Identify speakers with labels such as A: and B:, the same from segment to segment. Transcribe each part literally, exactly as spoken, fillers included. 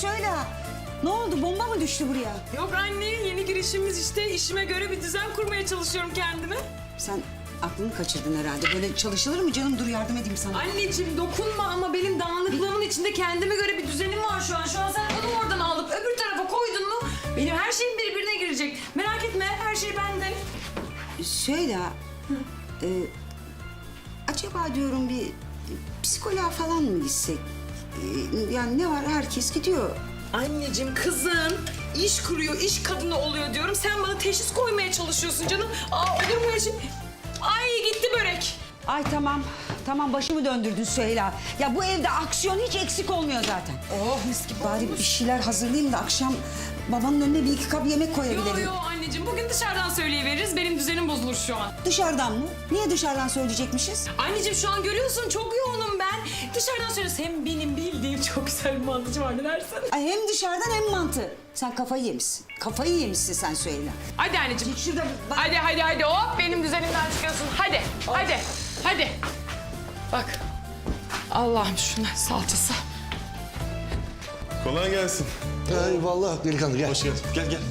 A: söyle. Ne oldu? Bomba mı düştü buraya?
B: Yok anne, yeni girişimiz işte. İşime göre bir düzen kurmaya çalışıyorum kendime.
A: Sen aklını kaçırdın herhalde. Böyle çalışılır mı canım? Dur yardım edeyim sana.
B: Anneciğim dokunma ama benim dağınıklığımın içinde kendime göre bir düzenim var şu an. Şu an sen onu oradan alıp öbür tarafa koydun mu benim her şeyim birbirine girecek. Merak etme, her şey bende.
A: Söyle. E, acaba diyorum bir psikoloğa falan mı gitsek? E, yani ne var? Herkes gidiyor.
B: Anneciğim kızın iş kuruyor, iş kadını oluyor diyorum. Sen bana teşhis koymaya çalışıyorsun canım. Aa olur mu öyle şey? Ay gitti börek.
A: Ay tamam. Tamam başımı döndürdün Süheyla. Ya bu evde aksiyon hiç eksik olmuyor zaten.
B: Oh mis gibi.
A: Bari bir şeyler hazırlayayım da akşam babanın önüne bir iki kap yemek
B: Yo
A: koyabilirim.
B: yo anneciğim bugün dışarıdan söyleyiveririz. Benim düzenim bozulur şu an.
A: Dışarıdan mı? Niye dışarıdan söyleyecekmişiz?
B: Anneciğim şu an görüyorsun çok yoğunum ben. Dışarıdan söyleriz. Hem benim bildiğim çok güzel bir mantıcı var ne dersin?
A: Ay hem dışarıdan hem mantı. Sen kafayı yemişsin. Kafayı yemişsin sen Süheyla.
B: Hadi anneciğim.
A: Şurada bak.
B: Hadi hadi hadi hop benim düzenimden çıkıyorsun. Hadi hadi hadi. Bak. Allah'ım şuna salçası.
C: Kolay gelsin.
D: Eyvallah delikanlı gel.
C: Hoş geldin. Gel gel.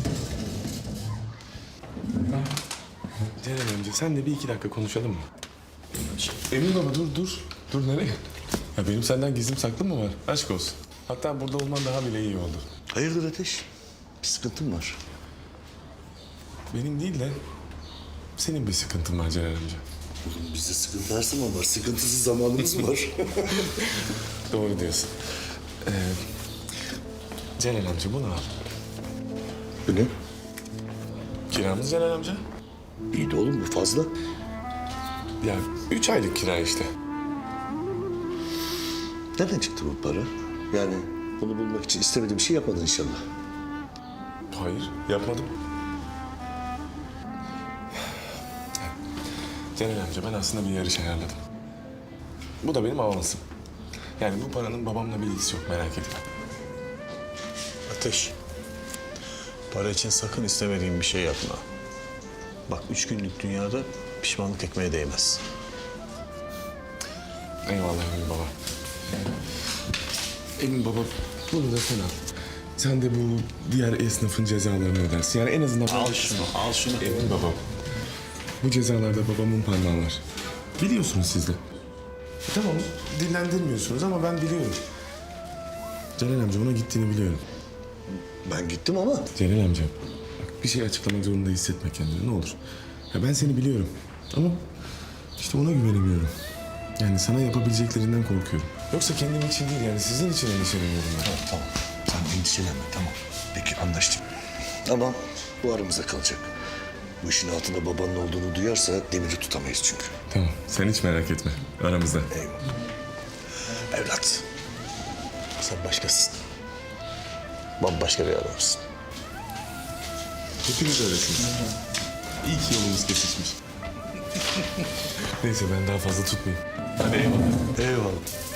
C: Ceren amca sen de bir iki dakika konuşalım mı? Emin baba dur dur. Dur nereye? Ya benim senden gizlim saklı mı var? Aşk olsun. Hatta burada olman daha bile iyi oldu.
D: Hayırdır Ateş? Bir sıkıntın var.
C: Benim değil de senin bir sıkıntın var Ceren amca.
D: Oğlum bizde sıkıntı her zaman var. Sıkıntısız zamanımız var.
C: Doğru diyorsun. Ee, Ceren amca bunu al.
D: Bu ne?
C: Kiramız Ceren amca.
D: İyi de oğlum bu fazla.
C: Ya üç aylık kira işte.
D: Nereden çıktı bu para? Yani bunu bulmak için istemediğim bir şey yapmadın inşallah.
C: Hayır yapmadım. Ceren amca ben aslında bir yarış ayarladım. Bu da benim avansım. Yani bu paranın babamla bir ilgisi yok merak etme.
E: Ateş. Para için sakın istemediğin bir şey yapma. Bak üç günlük dünyada pişmanlık ekmeğe değmez.
C: Eyvallah Emin baba. Emin baba bunu da sen al. Sen de bu diğer esnafın cezalarını ödersin. Yani en azından...
E: Al şunu, al şunu.
C: Emin baba. Bu cezalarda babamın parmağı var. Biliyorsunuz siz de. E tamam dillendirmiyorsunuz ama ben biliyorum. Celal amca ona gittiğini biliyorum.
D: Ben gittim ama
C: Celal amca bak bir şey açıklamak zorunda hissetme kendini ne olur. Ya ben seni biliyorum ama işte ona güvenemiyorum. Yani sana yapabileceklerinden korkuyorum. Yoksa kendim için değil yani sizin için endişeleniyorum ben.
D: Tamam, tamam. Sen endişelenme, tamam. Peki, anlaştık. Ama bu aramızda kalacak. Bu işin altında babanın olduğunu duyarsa demiri tutamayız çünkü.
C: Tamam sen hiç merak etme aramızda.
D: Eyvallah. Evlat, sen başkasın. Bambaşka bir adamsın.
C: Hepiniz öylesiniz. İyi ki yolumuz kesişmiş. Neyse ben daha fazla tutmayayım. Hadi eyvallah.
D: Eyvallah.